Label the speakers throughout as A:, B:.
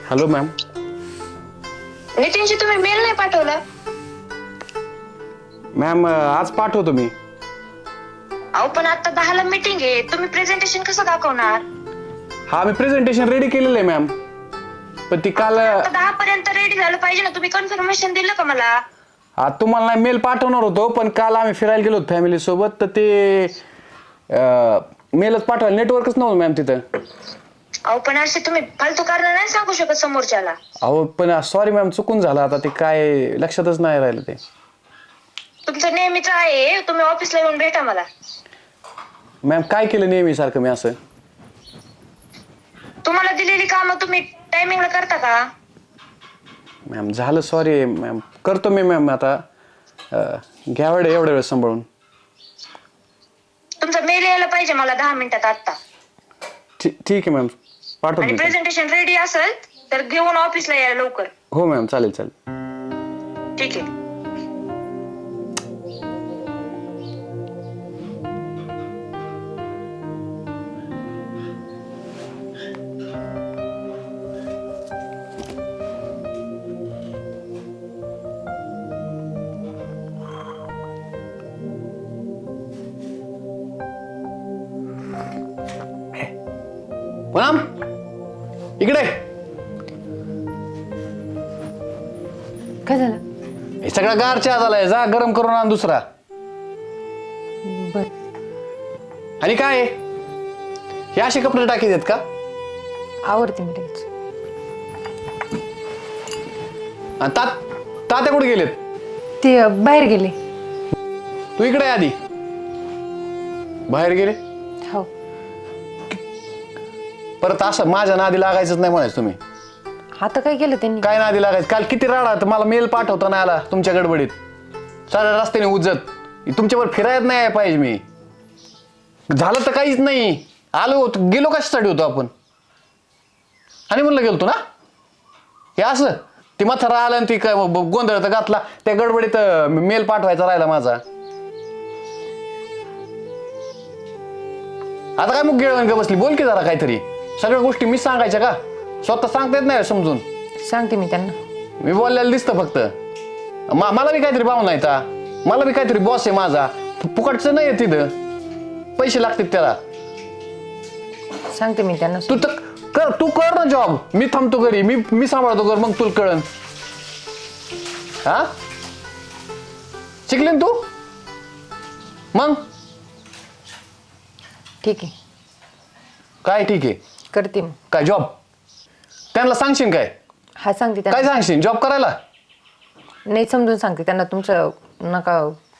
A: Hello ma'am.
B: नितीनशी तुम्ही mail नाही पाठवला?
A: मॅम आज पाठवतो मी.
B: अहो पण आता 10ला मीटिंग आहे, तुम्ही प्रेझेंटेशन कसं दाखवणार?
A: हा मी प्रेझेंटेशन रेडी केलेलं आहे मॅम, पण ती काल
B: आता 10 पर्यंत रेडी झालं पाहिजे ना. तुम्ही कन्फर्मेशन दिलं का मला?
A: तुम्हाला नाही मेल पाठवणार होतो, पण काल आम्ही फिरायला गेलो होतो फॅमिली सोबत, तर ते मेलच पाठवायला नेटवर्कच नव्हतं मॅम तिथं.
B: अहो पण असे तुम्ही फालतू कारण नाही सांगू शकत समोरच्याला.
A: अहो पण सॉरी मॅम, चुकून झालं. आता ते काय लक्षातच नाही राहिलं ते.
B: तुमचं नेहमीच आहे, तुम्ही ऑफिसला येऊन भेटा मला.
A: मॅम काय केलं नेहमी सारखं मी असं?
B: तुम्हाला दिलेली कामं तुम्ही टायमिंगला करता का?
A: मॅम झालं, सॉरी मॅम, करतो मी मॅम. आता घ्यावं एवढ्या वेळ सांभाळून.
B: तुमचा मेल यायला पाहिजे मला 10 मिनिटात आता.
A: ठीक आहे मॅम, पाठवतो
B: आणि
A: मी.
B: प्रेझेंटेशन रेडी असेल तर घेऊन ऑफिसला या लवकर.
A: हो मॅम, चालेल चालेल.
B: ठीक आहे.
A: पूनम इकडे.
C: काय झालं?
A: हे सगळा गार चहा झालाय, जा गरम करून आण दुसरा.
C: बर.
A: आणि काय हे असे कपडे टाकी देत का?
C: आवडते मी लगेच.
A: आणि तात्या कुठे गेलेत?
C: ते बाहेर गेले.
A: तू इकडे आहे आधी. बाहेर गेले?
C: हो.
A: परत असं माझ्या नादी लागायचंच नाही म्हणायचं तुम्ही.
C: आता काय केलं त्यांनी?
A: काय नादी लागायचं? काल किती राडा, तर मला मेल पाठवता नाही आला तुमच्या गडबडीत. साऱ्या रस्त्याने उजत तुमच्यावर फिरायला नाही पाहिजे मी. झालं तर काहीच नाही. आलो होतो, गेलो कशासाठी होतो आपण? आणि म्हणलं गेलतो ना. हे असं ती म्हातारा आलं आणि ती काय गोंधळ तर घातला त्या गडबडीत. मेल पाठवायचा राहिला माझा. आता काय मग गिळवण का बसली? बोल की जरा काहीतरी. सगळ्या गोष्टी मी सांगायच्या का? स्वतः सांगता येत नाही समजून?
C: सांगते मी त्यांना.
A: मी बोललेलं दिसतं फक्त. मला बी काहीतरी भावना येता. मला बी काहीतरी बॉस आहे माझा. फुकटचं नाही आहे तिथं, पैसे लागतात त्याला.
C: सांगते मी त्यांना.
A: तू कर ना जॉब. मी थांबतो घरी, मी सांभाळतो घर, मग तुला कळन. हा शिकले तू मग?
C: ठीक आहे.
A: काय ठीक आहे?
C: करते मी.
A: काय जॉब? त्यांना सांगशील काय?
C: हा सांगते
A: काय
C: त्यांना.
A: सांगशील जॉब करायला?
C: नाही समजून सांगते त्यांना. तुमचं नका.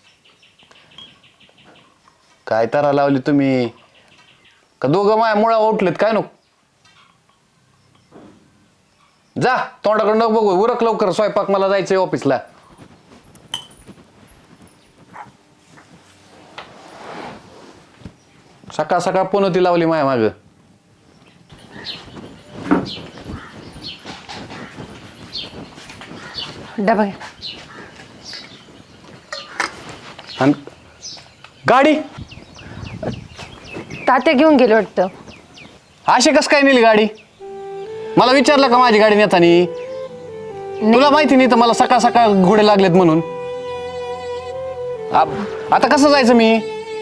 A: काय तारा लावली तुम्ही? का दोघं माया मुळा उठलेत काय? नको जा, तोंडाकडे नको बघू. उरक लवकर स्वयंपाक, मला जायचंय ऑफिसला. सकाळ सकाळ पुनती लावली माया माग.
C: डबा घ्या.
A: आणि गाडी
C: तात्या घेऊन गेले वाटतं.
A: अशी कस काय नेली गाडी? मला विचारलं का माझी गाडी नेतानी? तुला माहिती नाही तर मला सकाळ सकाळ घोडे लागलेत म्हणून. आता कसं जायचं मी?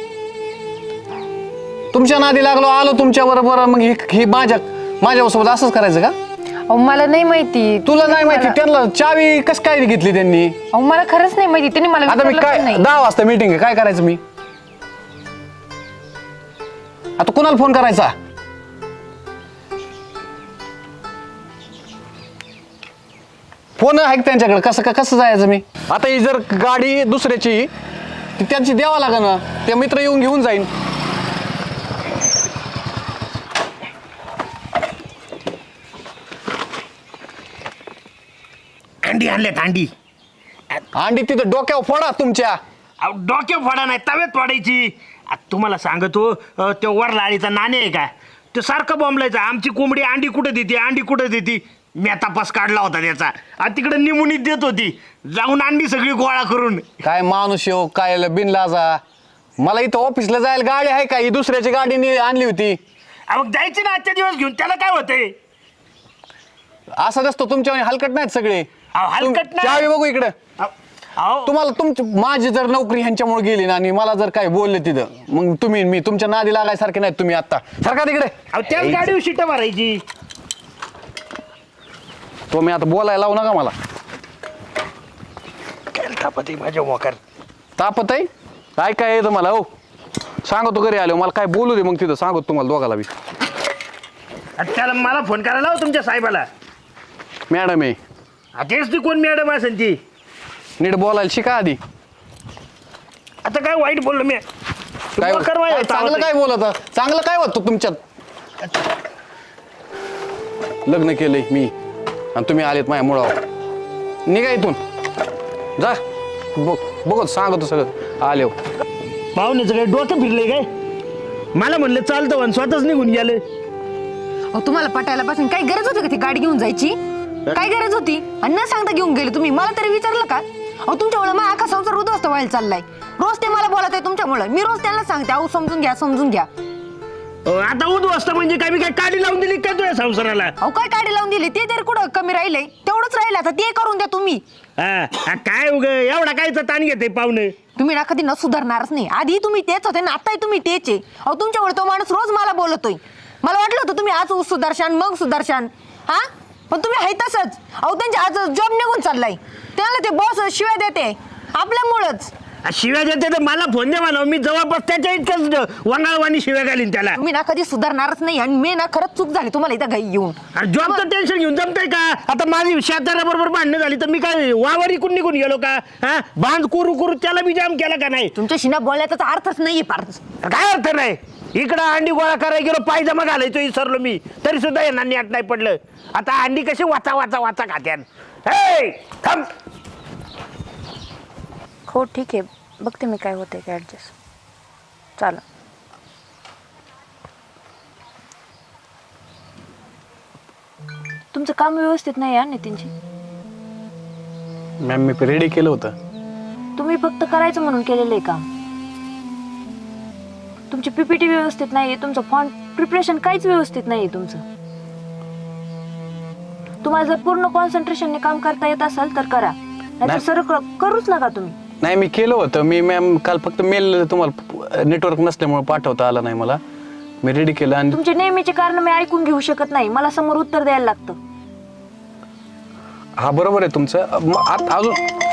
A: तुमच्या नादी लागलो, आलो तुमच्या बरोबर. मग ही माझ्यासोबत असंच करायचं का?
C: अहो मला नाही माहिती.
A: तुला नाही माहिती? त्यांना चावी कस काय घेतली त्यांनी?
C: अहो मला खरंच नाही माहिती. त्यांनी मला
A: आता मी
C: विचारलं
A: काय
C: पण नाही.
A: 10 वाजता मीटिंग आहे, काय करायचं मी? आता कुणाला फोन करायचा? फोन आहे त्यांच्याकडे. कसं जायचं मी? आता ही जर गाडी दुसऱ्याची, ती त्यांची द्यावा लागेल ना. ते मित्र येऊन घेऊन जाईन.
D: अंडी आणल्यात अंडी.
A: अंडी तिथं डोक्यावर फोडा तुमच्या.
D: डोक्यात फोडा नाही, तव्यात फोडायची. तुम्हाला सांगतो, तो वरला आळीचा नाणे आहे का, तो सारखं बॉम्बलायचा. आमची कोंबडी अंडी कुठं देते, अंडी कुठं देते. मी तपास काढला होता त्याचा. तिकडे निमुनीत देत होती. जाऊन अंडी सगळी गोळा करून.
A: काय माणूस येऊ काय बिनलाजा. मला इथं ऑफिसला जायला गाडी आहे का? ही दुसऱ्याची गाडीने आणली होती.
D: मग जायची ना आजच्या दिवस घेऊन, त्याला काय होतंय?
A: असं असतो तुमच्या हलकट नाहीत सगळे.
D: अहो, हलकट नाही.
A: चावी बघू इकडे.
D: अहो
A: तुम्हाला तुमची माझी जर नोकरी ह्यांच्यामुळे गेली ना आणि मला जर काय बोलले तिथं मग तुम्ही मी तुमच्या नादी लागायसारखे नाहीत तुम्ही आता. सारखा तिकडे.
D: त्याच गाडीवर शिट मारायची.
A: तो मी आता बोलायला लावू नका मला.
D: काय तापत माझ्या मोकार.
A: तापत आहे काय काय येतं मला. हो सांगतो घरी आलो मला काय बोलू दे मग तिथं सांगतो तुम्हाला दोघाला बी.
D: त्याला मला फोन करायला लाव तुमच्या साहेबाला.
A: मॅडम आहे
D: तेच ती कोण मॅडम असेल ती.
A: नीट बोलायला शिका आधी.
D: आता काय वाईट बोललो मी.
A: काय
D: मोकार वाईट
A: काय चांगलं काय बोलत चांगलं काय होतं तुमच्यात. लग्न केलंय मी आणि तुम्ही आलेत माझ्या मुळावर. निघा इथून जा. बघत सांगतो सगळं आले.
D: पाहुण्याचं काय डोकं फिरलंय काय. मला म्हणलं चालतं आणि स्वतःच निघून गेले.
C: अहो तुम्हाला पटायला पासून काही गरज होती का ती गाडी घेऊन जायची. काय गरज होती आणि न सांगता घेऊन गेले तुम्ही. मला तरी विचारलं का. अहो तुमच्यामुळे माझा अख्खा संसार उद्ध्वस्त व्हायला चाललाय. रोज ते मला बोलत आहे तुमच्यामुळे. मी रोज त्यांना सांगते अहो समजून घ्या समजून घ्या.
D: आता उद्ध्वस्त म्हणजे काय मी काय काढी लावून दिली काय तुझ्या संसाराला.
C: अहो काय काढी लावून दिली ते तरी कुठं कमी राहिले. तेवढंच राहिलं आता ते करून द्या तुम्ही.
D: काय उग एवढा कायचा ताण घेते पाहुणे.
C: तुम्ही ना कधी न सुधारणारच नाही. आधी तुम्ही तेच होते ना आताही तुम्ही तेच आहे. अहो तुमच्यामुळे तो माणूस रोज मला बोलतोय. मला वाटलं होतं तुम्ही आज सुदर्शन मग सुदर्शन हा पण तुम्ही आहे तसंच. अहो त्यांच्या आज जॉब निघून चाललाय. त्याला ते बॉस शिवाय देते आपल्यामुळंच.
D: शिव्या देते तर मला फोन दे म्हणा. मी जवळपास त्याच्या इतकंच वंगाळवाणी शिव्या घालीन त्याला.
C: तुम्ही ना कधी सुधारणारच नाही आणि मी ना खरंच चूक झाली तुम्हाला इथं घाई येऊन.
D: जॉबचं टेन्शन घेऊन जमतंय का. आता माझी शेजाऱ्याबरोबर भांडणं झाली तर मी काय वावर इकून निघून गेलो का. हा बांध कुरू कुरू त्याला बी जाम केला का नाही.
C: तुमच्याशी ना बोलण्याचा अर्थच नाहीये फारच.
D: काय अर्थ नाही. इकडं अंडी गोळा करायला गेलो पायजमा घालायचो विसरलो मी तरी सुद्धा यांना नेट नाही पडलं. आता अंडी कशी वाचा वाचा वाचा खात्यान. हे थांब.
E: हो ठीक आहे बघते मी काय होते काय ॲडजस्ट. चालेल. तुमचं काम व्यवस्थित नाही आहे नितीनजी.
A: मॅम मी रेडी केलं होतं.
E: तुम्ही फक्त करायचं म्हणून केलेलं आहे काम. तुमची पीपीटी व्यवस्थित नाही आहे. तुमचं फॉन्ट प्रिपरेशन काहीच व्यवस्थित नाही आहे तुमचं. तुम्हाला जर पूर्ण कॉन्सन्ट्रेशनने काम करता येत असेल तर करा नाही सरळ करूच नका तुम्ही.
A: नाही मी केलं होतं. मी मॅम काल फक्त मेल तुम्हाला नेटवर्क नसल्यामुळे पाठवता आला नाही मला. मी रेडी केलं आणि
E: तुमचे नेहमीचे कारण मी ऐकून घेऊ शकत नाही. मला समोर उत्तर द्यायला लागतं.
A: हा बरोबर आहे तुमचं. अजून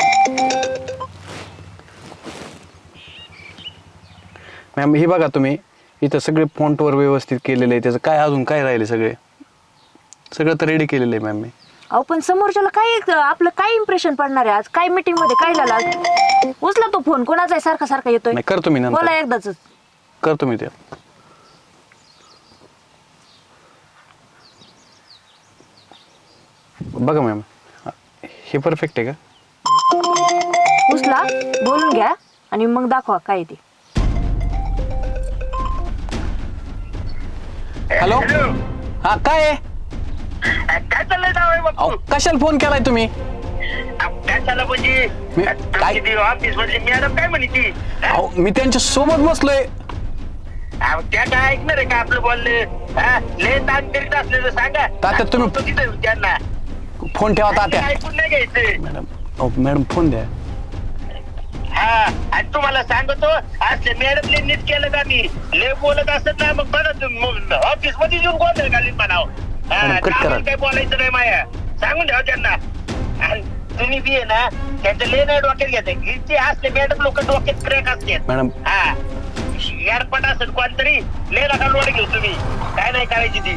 A: मॅम हे बघा तुम्ही इथं सगळे फॉन्टवर व्यवस्थित केलेलं आहे. त्याचं काय अजून काय राहिले सगळं तर रेडी केलेलं आहे मॅम मी.
E: अहो पण समोरच्याला काय आपलं काय इम्प्रेशन पडणार आहे. आज काय मीटिंग मध्ये काय झालं. उचला तो फोन कोणाचा आहे सारखा सारखा येतोय.
A: नाही करतो मी नंतर.
E: बोला एकदाच.
A: करतो मी ते. बघा मॅम हे परफेक्ट आहे का.
E: उचला बोलून घ्या आणि मग दाखवा काय ते.
A: हॅलो हा काय आहे.
D: काय चाललंय जावई बापू.
A: अहो कशाला फोन केलाय तुम्ही.
D: काय झालं म्हणजे
A: काय
D: ऑफिस मधली मॅडम काय म्हणे ती.
A: अहो मी त्यांच्या सोबत बसलोय.
D: त्या काय ऐकणार आहे का आपलं बोललं. लय ताण करीत असले तर सांगा.
A: तात्या तुम्ही
D: तिथं त्यांना
A: फोन ठेवा तात्या.
D: ऐकून नाही घ्यायचं.
A: मॅडम अहो मॅडम फोन द्या.
D: हा आणि तुम्हाला सांगतो असले मॅडमने नीट केलं का मी लय बोलत असत ना मग बरं ऑफिस मध्ये येऊन गोंधळ घालीन म्हणाव. काय बोलायचं नाही माया सांगून ठेवा त्यांना. आणि तुम्ही बी आहे ना त्यांचं लय नाही डोक्यात घ्यायचं. असले मॅडम लोक डोक्यात क्रॅक असतात.
A: मॅडम
D: हा एअरपट असेल कोणतरी लय नका लोड घेऊ तुम्ही. काय नाही करायची ती.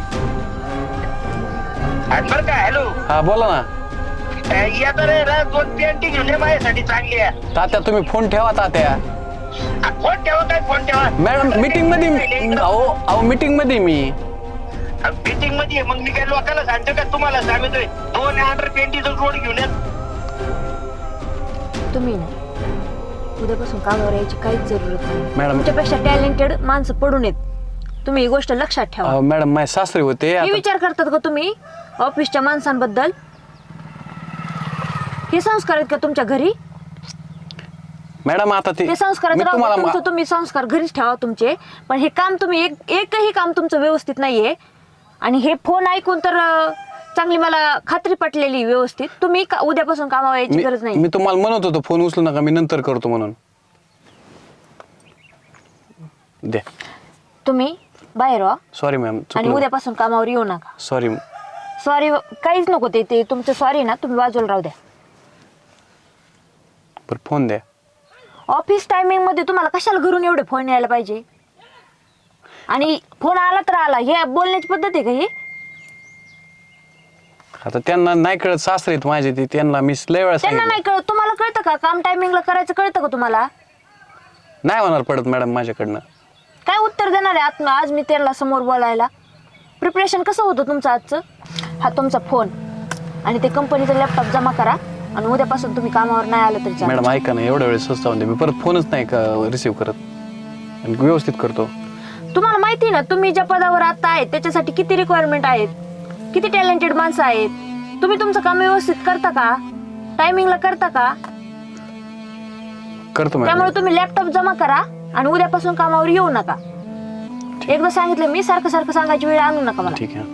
D: बरं का हॅलो
A: हा बोला ना.
D: या तर रे 2 पेंटिंग घेऊन ये माझ्यासाठी चांगली आहे.
A: तात्या तुम्ही फोन ठेवा तात्या.
D: फोन ठेवा काय फोन ठेवा.
A: मॅडम मीटिंग मध्ये अहो मीटिंग मध्ये मी
D: मीटिंग मध्ये मग मी काय लोकांना सांगतो का तुम्हाला सांगतोय 2 ऑर्डर पेंटीचा जोड घेऊन येत.
E: तुम्ही ना उद्यापासून कामावर यायची काहीच जरूरत नाही.
A: मॅडम
E: तुमच्यापेक्षा टॅलेंटेड माणसं पडून येत. तुम्ही ही गोष्ट लक्षात ठेवा.
A: मॅडम माझे सासरे होते.
E: हे विचार करतात का तुम्ही ऑफिसच्या माणसांबद्दल. हे संस्कार आहेत का तुमच्या घरी.
A: मॅडम आता ते
E: संस्कार तुम्ही संस्कार घरीच ठेवा तुमचे. पण हे काम तुम्ही एकही काम तुमचं व्यवस्थित नाहीये. आणि हे फोन ऐकून तर चांगली मला खात्री पटलेली व्यवस्थित. तुम्ही उद्यापासून कामावर यायची गरज नाही.
A: मी तुम्हाला म्हणत होतो फोन उचलू नका, मी नंतर करतो म्हणून. दे.
E: तुम्ही बाहेर व्हा
A: सॉरी मॅम.
E: आणि उद्यापासून कामावर येऊ नका.
A: सॉरी.
E: सॉरी काहीच नको, ते तुमचं सॉरी ना तुम्ही बाजूला राहू द्या.
A: बरं फोन द्या.
E: ऑफिस टायमिंग मध्ये तुम्हाला कशाला घरून एवढे फोन यायला पाहिजे? आणि फोन आला तर आला, हे बोलण्याची पद्धत आहे का ही?
A: आता त्यांना नाही कळत, सासरे आहेत माझे ते, त्यांना मी लय वेळा
E: त्यांना
A: सांगितलं.
E: नाही कळत, तुम्हाला कळतं का? काम टायमिंगला करायचं कळतं का तुम्हाला?
A: नाही होणार पडत मॅडम माझ्याकडनं.
E: काय उत्तर देणार आहे आज मी त्यांना समोर बोलायला? प्रिपरेशन कसं होतं तुमचं आजचं? हा तुमचा फोन आणि ते कंपनीचा लॅपटॉप जमा करा आणि उद्यापासून तुम्ही कामावर नाही आलं तरी चालेल.
A: मॅडम ऐका ना, एवढ्या वेळेस स्वस्त मी परत फोनच नाही का रिसिव्ह करत आणि व्यवस्थित करतो.
E: तुम्हाला माहिती ना तुम्ही ज्या पदावर आता आहेत त्याच्यासाठी किती रिक्वायरमेंट आहेत, किती टॅलेंटेड माणसं आहेत. तुम्ही तुमचं काम व्यवस्थित करता का? टायमिंगला करता का?
A: करतो मॅडम.
E: त्यामुळे तुम्ही लॅपटॉप जमा करा आणि उद्यापासून कामावर येऊ नका. एकदा सांगितलं मी, सारखं सारखं सांगायची वेळ आणू नका मला.
A: ठीक आहे.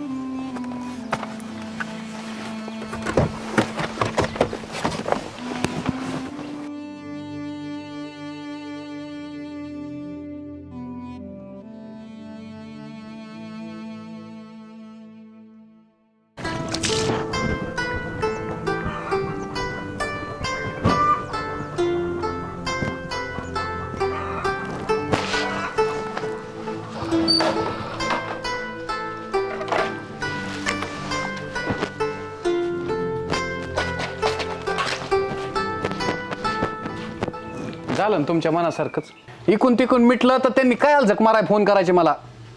A: झालं ना तुमच्या मनासारखंच. इकून तिकून मिटलं तर त्यांनी काय झक माराय फोन करायचे मला.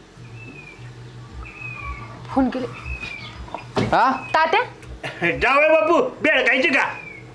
C: फोन केले
A: हा
C: तात्या.
D: जावई बापू बेळ खायची का?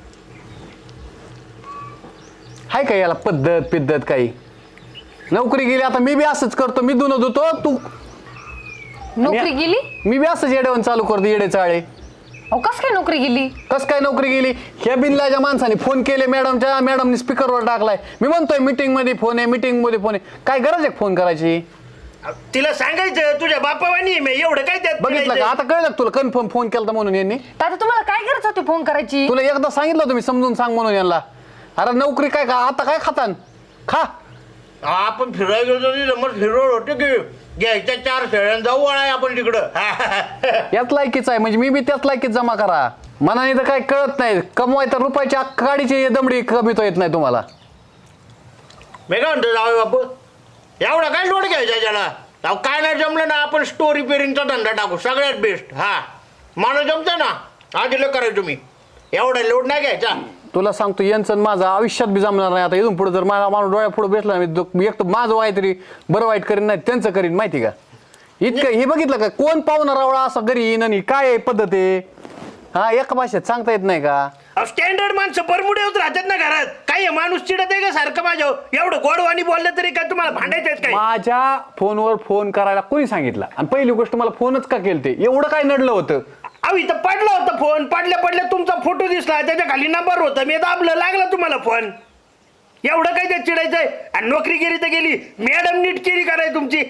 A: हाय का याला पद्धत काही? नोकरी गेली, आता मी बी असंच करतो. मी धुणं धुतो, तू
C: नोकरी गेली?
A: मी बी असंच येड्यावरून चालू करतो, येडे चाळे.
C: अहो कस काय नोकरी गेली?
A: कस काय नोकरी गेली? ह्या बिनलाच्या माणसाने फोन केले मॅडमच्या, मॅडमने स्पीकरवर टाकलाय. मी म्हणतोय मीटिंग मध्ये फोन आहे, मीटिंग मध्ये फोन आहे. काय गरज आहे फोन करायची?
D: तिला सांगायचं तुझ्या बापावानी मी एवढं काय त्यात
A: बघितलं का?
D: बोलायचं?
A: आता कळलं का तुला कन्फर्म फोन केला म्हणून यांनी?
C: तात्या तुम्हाला काय गरज होती फोन करायची?
A: तुला एकदा सांगितलं होतं मी, समजून सांग म्हणून यांना. अरे नोकरी काय का आता काय खातान खा.
D: आपण फिरायला गेलो नंबर फिरवळ होते की घ्यायच्या 4 शेळ्यां जाऊ वळाय आपण तिकडं.
A: याच लायकीच आहे, म्हणजे मी बी त्याच लायकीत जमा करा. मनाने तर काय कळत नाही. कमवाय तर रुपयाची गाडीची दमडी कमीतो येत नाही तुम्हाला.
D: मी काय म्हणतो जावई बापू, एवढा काय लोड घ्यायचा त्याला? अहो काय नाही जमलं ना, आपण स्टोरी पेरिंगचा धंदा टाकू, सगळ्यात बेस्ट. हा मला जमतं ना, आधीला करायचं तुम्ही. एवढा लोड नाही घ्यायचा.
A: तुला सांगतो यांचं माझं आयुष्यात बी जमणार नाही. आता इथून पुढे जर माझा माणूस डोळ्या पुढे बसला मी एक तर माझं वाय तरी बरं वाईट करीन, नाही त्यांचं करीन. माहिती का? इतकं हे बघितलं का? कोण पाहुणा रावळा असं घरी येईन आणि काय पद्धत आहे? हा एका भाषेत सांगता येत नाही का?
D: स्टँडर्ड माणसं परमुडे होत राहतात ना घरात. काही माणूस चिडत आहे का सारखं माझ्यावर? एवढं गोडवाणी बोललं तरी काय तुम्हाला भांडायचं काय?
A: माझ्या फोनवर फोन करायला कोणी सांगितलं? आणि पहिली गोष्ट मला फोनच का केलते? एवढं काय नडलं होतं?
D: अहो इथं पडला होता फोन, पडल्या तुमचा फोटो दिसला, त्याच्या खाली नंबर होता, मी दाबलं, लागला तुम्हाला फोन. एवढं काय त्यात चिडायचंय? आणि नोकरी गेली तर गेली, मॅडम नीट केली कराय तुमची.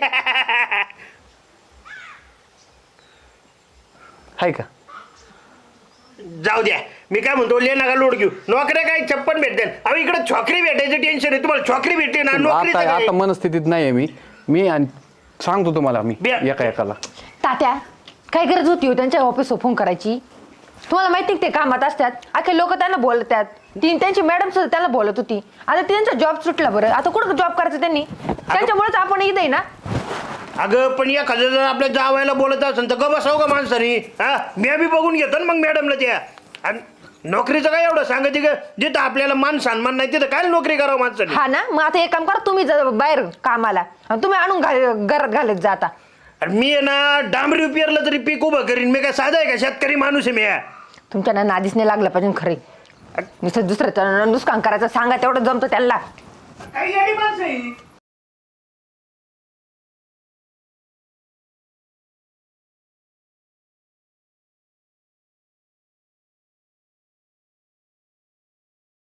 A: हाय का?
D: जाऊ द्या, मी काय म्हणतो, ले नका लोड घेऊ. नोकऱ्या काय 56 भेटते. अहो इकडे छोकरी भेटायचं टेन्शन आहे तुम्हाला. छोकरी भेटते ना, नोकरी
A: आता मनस्थितीत नाहीये मी आणि सांगतो तुम्हाला मी एकाला.
C: तात्या काय गरज होती हो त्यांच्या ऑफिसवर फोन करायची? तुम्हाला माहिती ते कामात असतात, अखे लोक त्यांना बोलतात. त्यांची मॅडम सुद्धा त्यांना बोलत होती. आता त्यांचा जॉब सुटला. बरं आता कुठं जॉब करायचं त्यांनी? त्यांच्यामुळेच आपण इथे ना.
D: अगं पण एखादं जर आपल्या जावायला बोलत असेल तर ग बसाव का माणसानी? हा मी बी बघून घेतो ना मग मॅडमला त्या. आणि नोकरीचं काय एवढं सांगायचं का? जिथं आपल्याला मान सन्मान नाही तिथं काय नोकरी करावं माणसाने?
C: हा ना, मग आता एक काम करा, तुम्ही जा बाहेर कामाला आणि तुम्ही आणून घरात घालत जाता.
D: आणि मी आहे ना डांबरी पेरलं तरी पीक उभं करीन. मी काय साधा आहे का? शेतकरी माणूस आहे मी.
C: तुमच्या ना नादीच नाही लागलं पाहिजे खरे. नुसतं दुसऱ्याचं नुकसान करायचं सांगा, तेवढं जमतं त्यांना.
D: काही माणसं आहे